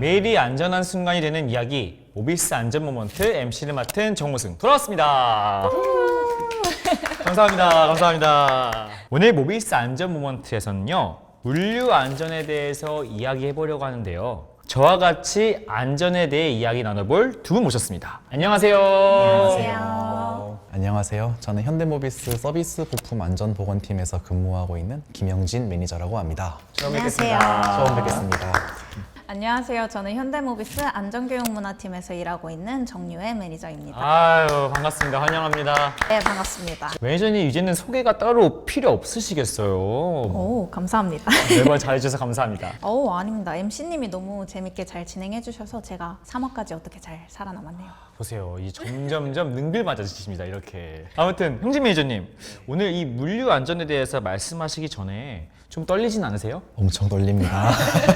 매일이 안전한 순간이 되는 이야기, 모비스 안전 모먼트 MC를 맡은 정무승 돌아왔습니다. 감사합니다. 감사합니다. 오늘 모비스 안전 모먼트에서는요, 물류 안전에 대해서 이야기해 보려고 하는데요. 저와 같이 안전에 대해 이야기 나눠볼 두 분 모셨습니다. 안녕하세요. 안녕하세요. 저는 현대모비스 서비스 부품 안전보건팀에서 근무하고 있는 김영진 매니저라고 합니다. 처음 안녕하세요. 뵙겠습니다. 처음 뵙겠습니다. 안녕하세요. 저는 현대모비스 안전교육문화팀에서 일하고 있는 정유혜 매니저입니다. 아유, 반갑습니다. 환영합니다. 네, 반갑습니다. 매니저님, 이제는 소개가 따로 필요 없으시겠어요? 오, 감사합니다. 매번 잘해주셔서 감사합니다. 아닙니다. MC님이 너무 재밌게 잘 진행해주셔서 제가 3화까지 어떻게 잘 살아남았네요. 보세요. 이 점점점 능글 맞아지십니다. 이렇게. 아무튼 형진 매니저님, 오늘 이 물류 안전에 대해서 말씀하시기 전에 좀 떨리진 않으세요? 엄청 떨립니다.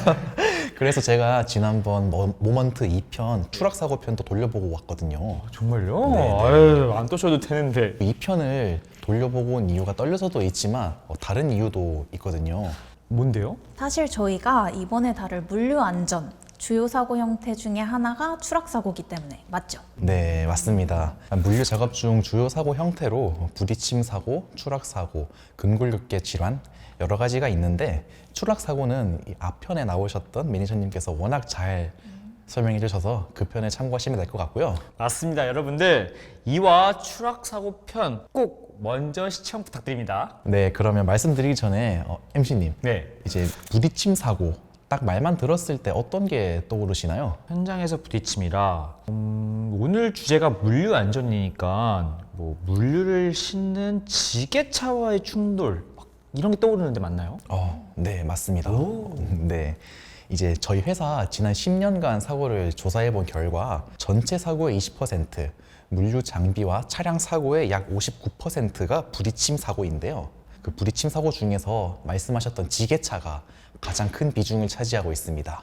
그래서 제가 지난번 모먼트 2편 추락사고 편도 돌려보고 왔거든요. 정말요? 네네. 아유, 안 떠셔도 되는데. 2편을 돌려보고 온 이유가 떨려서도 있지만 다른 이유도 있거든요. 뭔데요? 사실 저희가 이번에 다룰 물류 안전 주요 사고 형태 중에 하나가 추락 사고이기 때문에 맞죠? 네, 맞습니다. 물류 작업 중 주요 사고 형태로 부딪힘 사고, 추락 사고, 근골격계 질환 여러 가지가 있는데 추락 사고는 이 앞편에 나오셨던 매니저님께서 워낙 잘 설명해 주셔서 그 편에 참고하시면 될 것 같고요. 맞습니다. 여러분들, 2화 추락 사고 편 꼭 먼저 시청 부탁드립니다. 네, 그러면 말씀드리기 전에 MC님, 네. 이제 부딪힘 사고 딱 말만 들었을 때 어떤 게 떠오르시나요? 현장에서 부딪힘이라 오늘 주제가 물류 안전이니까 뭐 물류를 싣는 지게차와의 충돌 막 이런 게 떠오르는데 맞나요? 네, 맞습니다. 오. 네. 이제 저희 회사 지난 10년간 사고를 조사해 본 결과 전체 사고의 20%, 물류 장비와 차량 사고의 약 59%가 부딪힘 사고인데요. 그 부딪힘 사고 중에서 말씀하셨던 지게차가 가장 큰 비중을 차지하고 있습니다.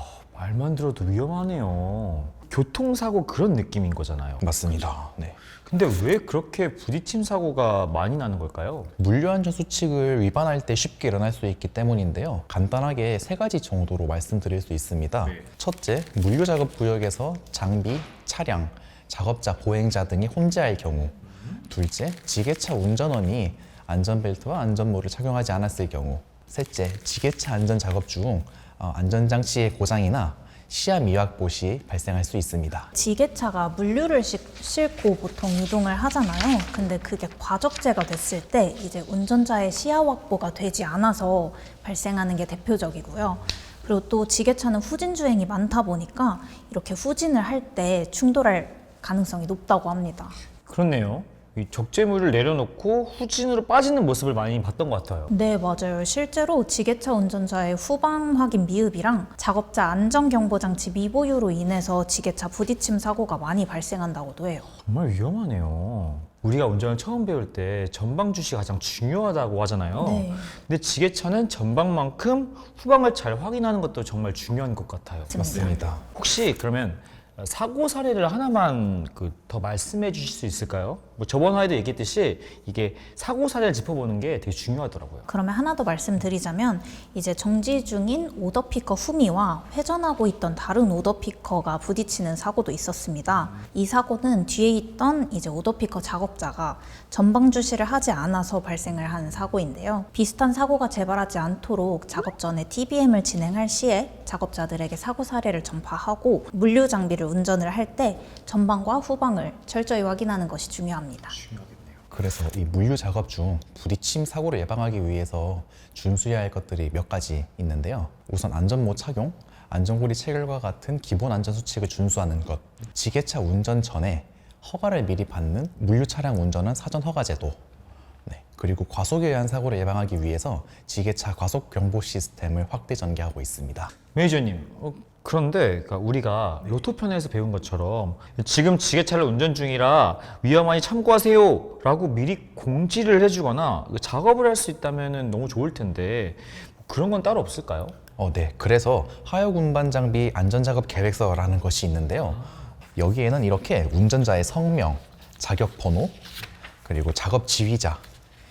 말만 들어도 위험하네요. 교통사고 그런 느낌인 거잖아요. 맞습니다. 네. 근데 왜 그렇게 부딪힘 사고가 많이 나는 걸까요? 물류안전 수칙을 위반할 때 쉽게 일어날 수 있기 때문인데요. 간단하게 세 가지 정도로 말씀드릴 수 있습니다. 네. 첫째, 물류 작업 구역에서 장비, 차량, 작업자, 보행자 등이 혼재할 경우. 둘째, 지게차 운전원이 안전벨트와 안전모를 착용하지 않았을 경우. 셋째, 지게차 안전 작업 중 안전장치의 고장이나 시야 미확보 시 발생할 수 있습니다. 지게차가 물류를 싣고 보통 이동을 하잖아요. 근데 그게 과적제가 됐을 때 이제 운전자의 시야 확보가 되지 않아서 발생하는 게 대표적이고요. 그리고 또 지게차는 후진 주행이 많다 보니까 이렇게 후진을 할 때 충돌할 가능성이 높다고 합니다. 그렇네요. 이 적재물을 내려놓고 후진으로 빠지는 모습을 많이 봤던 것 같아요. 네, 맞아요. 실제로 지게차 운전자의 후방 확인 미흡이랑 작업자 안전경보장치 미보유로 인해서 지게차 부딪힘 사고가 많이 발생한다고도 해요. 정말 위험하네요. 우리가 운전을 처음 배울 때 전방 주시가 가장 중요하다고 하잖아요. 네. 근데 지게차는 전방만큼 후방을 잘 확인하는 것도 정말 중요한 것 같아요. 맞습니다. 혹시 그러면 사고 사례를 하나만 더 말씀해 주실 수 있을까요? 뭐 저번 화에도 얘기했듯이 이게 사고 사례를 짚어보는 게 되게 중요하더라고요. 그러면 하나 더 말씀드리자면 이제 정지 중인 오더피커 후미와 회전하고 있던 다른 오더피커가 부딪히는 사고도 있었습니다. 이 사고는 뒤에 있던 이제 오더피커 작업자가 전방 주시를 하지 않아서 발생을 한 사고인데요. 비슷한 사고가 재발하지 않도록 작업 전에 TBM을 진행할 시에 작업자들에게 사고 사례를 전파하고 물류 장비를 운전을 할 때 전방과 후방을 철저히 확인하는 것이 중요합니다. 그래서 이 물류 작업 중 부딪힘 사고를 예방하기 위해서 준수해야 할 것들이 몇 가지 있는데요. 우선 안전모 착용, 안전고리 체결과 같은 기본 안전 수칙을 준수하는 것, 지게차 운전 전에 허가를 미리 받는 물류 차량 운전은 사전 허가 제도, 네, 그리고 과속에 의한 사고를 예방하기 위해서 지게차 과속 경보 시스템을 확대 전개하고 있습니다. 매니저님, 그런데 우리가 로토편에서 배운 것처럼 지금 지게차를 운전 중이라 위험하니 참고하세요 라고 미리 공지를 해주거나 작업을 할 수 있다면 너무 좋을 텐데 그런 건 따로 없을까요? 네. 그래서 하역 운반 장비 안전작업 계획서라는 것이 있는데요. 여기에는 이렇게 운전자의 성명, 자격 번호, 그리고 작업 지휘자,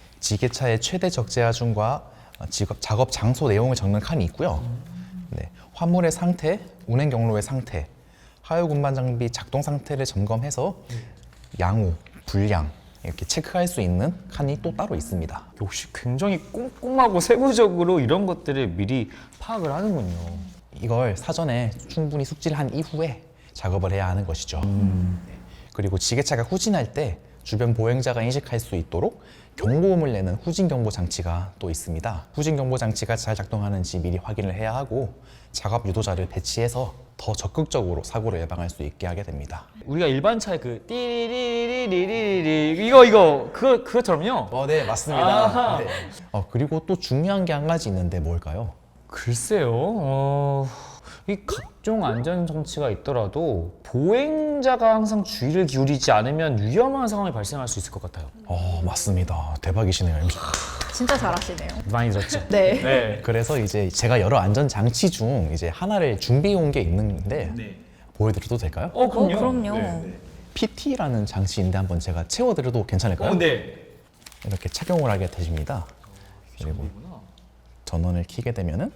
지게차의 최대 적재 하중과 작업 장소 내용을 적는 칸이 있고요. 네. 화물의 상태, 운행 경로의 상태, 하역 운반 장비 작동 상태를 점검해서 양호, 불량 이렇게 체크할 수 있는 칸이 또 따로 있습니다. 역시 굉장히 꼼꼼하고 세부적으로 이런 것들을 미리 파악을 하는군요. 이걸 사전에 충분히 숙지를 한 이후에 작업을 해야 하는 것이죠. 그리고 지게차가 후진할 때 주변 보행자가 인식할 수 있도록 경고음을 내는 후진 경보 장치가 또 있습니다. 후진 경보 장치가 잘 작동하는지 미리 확인을 해야 하고 작업 유도자를 배치해서 더 적극적으로 사고를 예방할 수 있게 하게 됩니다. 우리가 일반 차에 그 띠리리리리리리 이거 그것처럼요. 네, 맞습니다. 아하. 네. 그리고 또 중요한 게 한 가지 있는데 뭘까요? 글쎄요. 이 각종 안전 장치가 있더라도 보행자가 항상 주의를 기울이지 않으면 위험한 상황이 발생할 수 있을 것 같아요. 맞습니다. 대박이시네요, MC. 진짜 잘하시네요. 많이 들었죠? 네. 네. 그래서 이제 제가 여러 안전 장치 중 이제 하나를 준비해 온 게 있는데 보여드려도 될까요? 그럼요. PT라는 장치인데 한번 제가 채워드려도 괜찮을까요? 네. 이렇게 착용을 하게 되십니다. 그리고 전원을 켜게 되면은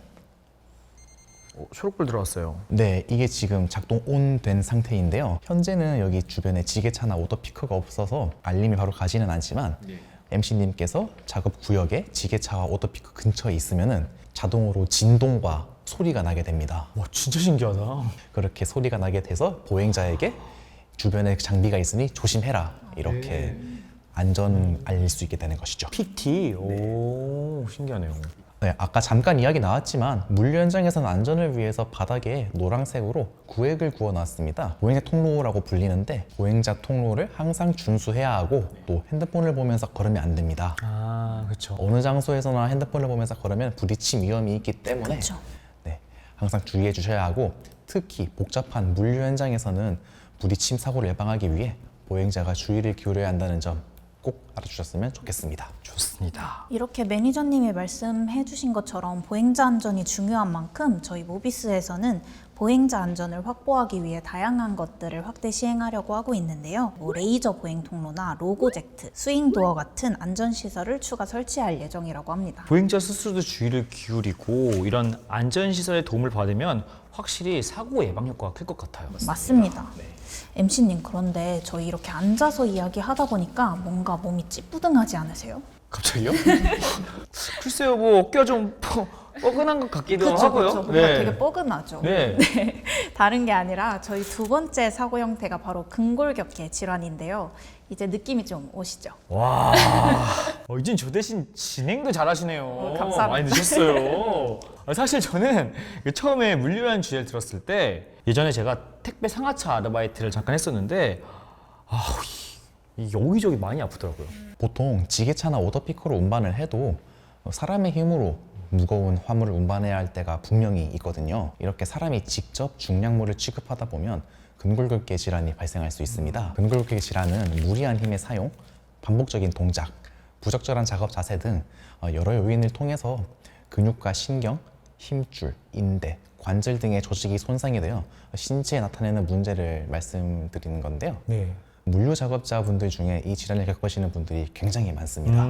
초록불 들어왔어요. 네, 이게 지금 작동 온 된 상태인데요. 현재는 여기 주변에 지게차나 오토피커가 없어서 알림이 바로 가지는 않지만 MC님께서 작업 구역에 지게차와 오토피커 근처에 있으면은 자동으로 진동과 소리가 나게 됩니다. 와, 진짜 신기하다. 그렇게 소리가 나게 돼서 보행자에게 주변에 장비가 있으니 조심해라 이렇게 안전 알릴 수 있게 되는 것이죠. PT. 오, 신기하네요. 네, 아까 잠깐 이야기 나왔지만 물류 현장에서는 안전을 위해서 바닥에 노란색으로 구획을 구워놨습니다. 보행자 통로라고 불리는데 보행자 통로를 항상 준수해야 하고 또 핸드폰을 보면서 걸으면 안 됩니다. 아, 그렇죠. 어느 장소에서나 핸드폰을 보면서 걸으면 부딪힘 위험이 있기 때문에 그쵸. 네, 항상 주의해 주셔야 하고 특히 복잡한 물류 현장에서는 부딪힘 사고를 예방하기 위해 보행자가 주의를 기울여야 한다는 점 꼭 알아주셨으면 좋겠습니다. 좋습니다. 이렇게 매니저님이 말씀해 주신 것처럼 보행자 안전이 중요한 만큼 저희 모비스에서는 보행자 안전을 확보하기 위해 다양한 것들을 확대 시행하려고 하고 있는데요. 레이저 보행 통로나 로고젝트, 스윙도어 같은 안전시설을 추가 설치할 예정이라고 합니다. 보행자 스스로도 주의를 기울이고 이런 안전시설의 도움을 받으면 확실히 사고 예방 효과가 클 것 같아요. 맞습니다. MC님, 그런데 저희 이렇게 앉아서 이야기하다 보니까 뭔가 몸이 찌뿌둥하지 않으세요? 갑자기요? 글쎄요, 뭐 어깨가 좀 뻐근한 것 같기도 하고요. 그쵸. 뭔가 되게 뻐근하죠. 네. 다른 게 아니라 저희 두 번째 사고 형태가 바로 근골격계 질환인데요. 이제 느낌이 좀 오시죠? 와, 이젠 저 대신 진행도 잘하시네요. 감사합니다. 많이 늦었어요. 사실 저는 처음에 물류라는 주제를 들었을 때 예전에 제가 택배 상하차 아르바이트를 잠깐 했었는데 여기저기 많이 아프더라고요. 보통 지게차나 오토피커로 운반을 해도 사람의 힘으로 무거운 화물을 운반해야 할 때가 분명히 있거든요. 이렇게 사람이 직접 중량물을 취급하다 보면 근골격계 질환이 발생할 수 있습니다. 근골격계 질환은 무리한 힘의 사용, 반복적인 동작, 부적절한 작업 자세 등 여러 요인을 통해서 근육과 신경, 힘줄, 인대, 관절 등의 조직이 손상이 되어 신체에 나타내는 문제를 말씀드리는 건데요. 네. 물류 작업자분들 중에 이 질환을 겪으시는 분들이 굉장히 많습니다.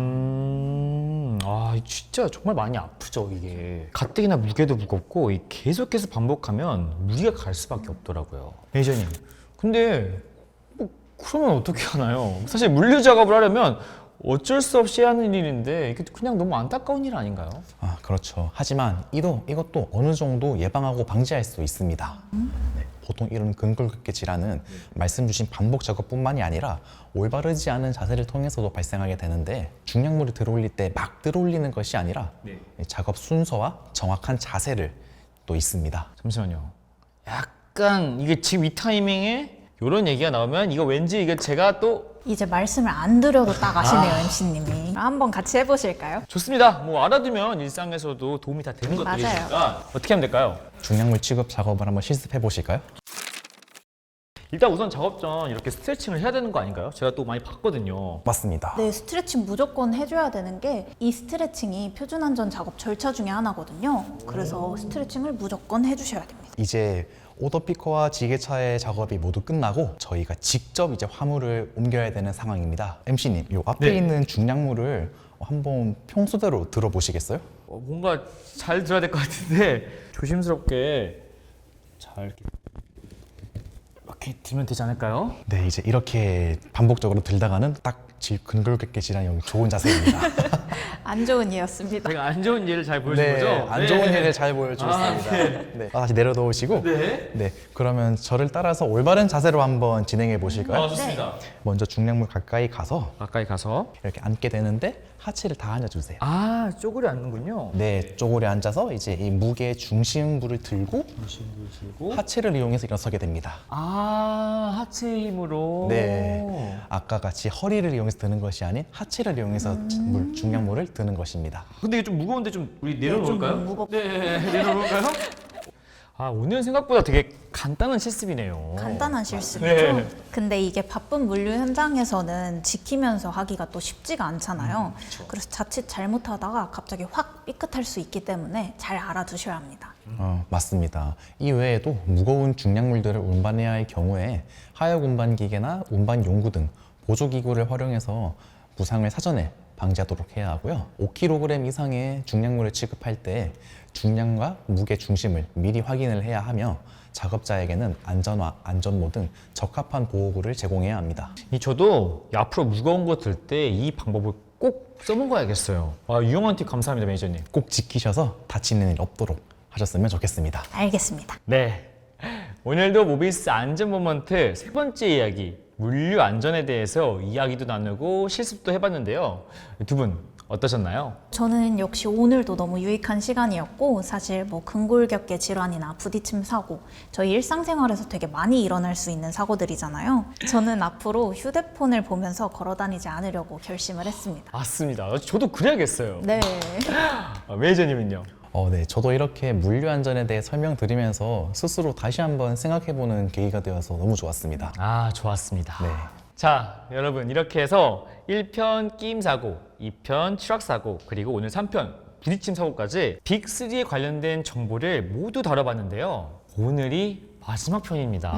진짜 정말 많이 아프죠, 이게. 가뜩이나 무게도 무겁고 계속해서 반복하면 무리가 갈 수밖에 없더라고요. 매니저님, 근데 그러면 어떻게 하나요? 사실 물류 작업을 하려면 어쩔 수 없이 해야 하는 일인데 이게 그냥 너무 안타까운 일 아닌가요? 그렇죠. 하지만 이것도 어느 정도 예방하고 방지할 수 있습니다. 네, 보통 이런 근골격계 질환은 말씀 주신 반복 작업뿐만이 아니라 올바르지 않은 자세를 통해서도 발생하게 되는데 중량물을 들어올릴 때 막 들어올리는 것이 아니라 작업 순서와 정확한 자세를 또 있습니다. 잠시만요. 약간 이게 지금 이 타이밍에 이런 얘기가 나오면 이거 왠지 이게 제가 또 이제 말씀을 안 드려도 딱 아시네요, MC님이. 한번 같이 해보실까요? 좋습니다. 뭐 알아두면 일상에서도 도움이 다 되는 것들이니까 어떻게 하면 될까요? 중량물 취급 작업을 한번 실습해 보실까요? 일단 우선 작업 전 이렇게 스트레칭을 해야 되는 거 아닌가요? 제가 또 많이 봤거든요. 맞습니다. 네, 스트레칭 무조건 해줘야 되는 게 이 스트레칭이 표준안전 작업 절차 중에 하나거든요. 그래서 스트레칭을 무조건 해주셔야 됩니다. 이제 오토피커와 지게차의 작업이 모두 끝나고 저희가 직접 이제 화물을 옮겨야 되는 상황입니다. MC님, 요 앞에 네. 있는 중량물을 한번 평소대로 들어보시겠어요? 뭔가 잘 들어야 될 것 같은데 조심스럽게 잘 이렇게 들면 되지 않을까요? 네, 이제 이렇게 반복적으로 들다가는 딱 근골격계 질환이 좋은 자세입니다. 안 좋은 예였습니다. 제가 안 좋은 예를 잘 보여준 네, 거죠? 안 좋은 예를 잘 보여주셨습니다. 네. 다시 내려놓으시고, 네. 네, 그러면 저를 따라서 올바른 자세로 한번 진행해 보실까요? 좋습니다. 먼저 중량물 가까이 가서 가까이 가서 이렇게 앉게 되는데 하체를 다 앉아주세요. 아, 쪼그려 앉는군요. 네, 쪼그려 앉아서 이제 이 무게의 중심부를 들고 들고 하체를 이용해서 일어서게 됩니다. 아, 하체 힘으로. 네, 아까 같이 허리를 이용해서 드는 것이 아닌 하체를 이용해서 중량물을 드는 것입니다. 근데 이게 좀 무거운데 좀 우리 내려놓을까요? 좀 무겁- 네, 내려놓을까요? 아, 오늘 생각보다 되게 간단한 실습이네요. 간단한 실습이죠. 네. 근데 이게 바쁜 물류 현장에서는 지키면서 하기가 또 쉽지가 않잖아요. 그래서 자칫 잘못하다가 갑자기 확 삐끗할 수 있기 때문에 잘 알아두셔야 합니다. 맞습니다. 이 외에도 무거운 중량물들을 운반해야 할 경우에 하역 운반 기계나 운반 용구 등 보조 기구를 활용해서 부상을 사전에 방지하도록 해야 하고요. 5kg 이상의 중량물을 취급할 때 중량과 무게 중심을 미리 확인을 해야 하며 작업자에게는 안전화, 안전모 등 적합한 보호구를 제공해야 합니다. 저도 앞으로 무거운 거 들 때 이 방법을 꼭 써먹어야겠어요. 아, 유용한 팁 감사합니다, 매니저님. 꼭 지키셔서 다치는 일 없도록 하셨으면 좋겠습니다. 알겠습니다. 네. 오늘도 모비스 안전 모먼트 세 번째 이야기, 물류 안전에 대해서 이야기도 나누고 실습도 해봤는데요. 두 분 어떠셨나요? 저는 역시 오늘도 너무 유익한 시간이었고 사실 뭐 근골격계 질환이나 부딪힘 사고 저희 일상생활에서 되게 많이 일어날 수 있는 사고들이잖아요. 저는 앞으로 휴대폰을 보면서 걸어 다니지 않으려고 결심을 했습니다. 맞습니다. 저도 그래야겠어요. 네. 매니저님은요? 네, 저도 이렇게 물류 안전에 대해 설명드리면서 스스로 다시 한번 생각해보는 계기가 되어서 너무 좋았습니다. 아, 좋았습니다. 네. 자, 여러분 이렇게 해서 1편 끼임 사고, 2편 추락 사고, 그리고 오늘 3편 부딪힘 사고까지 빅3에 관련된 정보를 모두 다뤄봤는데요. 오늘이 마지막 편입니다.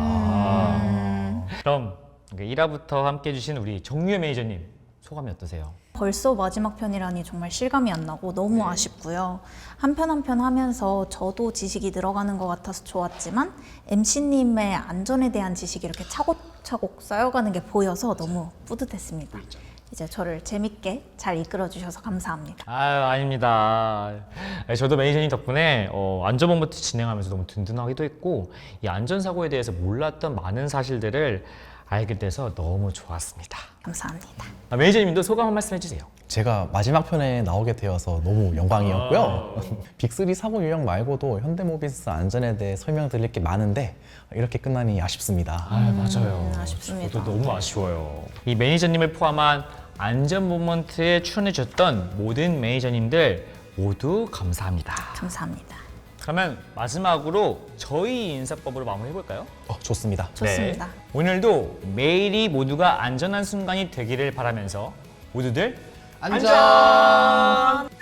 그럼 1화부터 함께 해주신 우리 정유혜 매니저님 소감이 어떠세요? 벌써 마지막 편이라니 정말 실감이 안 나고 너무 아쉽고요. 한 편 한 편 하면서 저도 지식이 늘어가는 것 같아서 좋았지만 MC님의 안전에 대한 지식이 이렇게 차곡차곡 쌓여가는 게 보여서 너무 뿌듯했습니다. 이제 저를 재밌게 잘 이끌어 주셔서 감사합니다. 아유, 아닙니다. 저도 매니저님 덕분에 안전본부터 진행하면서 너무 든든하기도 했고 이 안전사고에 대해서 몰랐던 많은 사실들을 알게 돼서 너무 좋았습니다. 감사합니다. 매니저님도 소감 한 말씀 해주세요. 제가 마지막 편에 나오게 되어서 너무 영광이었고요. 빅3 사고 유형 말고도 현대모비스 안전에 대해 설명드릴 게 많은데 이렇게 끝나니 아쉽습니다. 맞아요. 아쉽습니다. 저도 너무 아쉬워요. 이 매니저님을 포함한 안전 모먼트에 출연해 주셨던 모든 매니저님들 모두 감사합니다. 감사합니다. 그러면 마지막으로 저희 인사법으로 마무리해 볼까요? 좋습니다. 좋습니다. 네. 오늘도 매일이 모두가 안전한 순간이 되기를 바라면서 모두들 안전!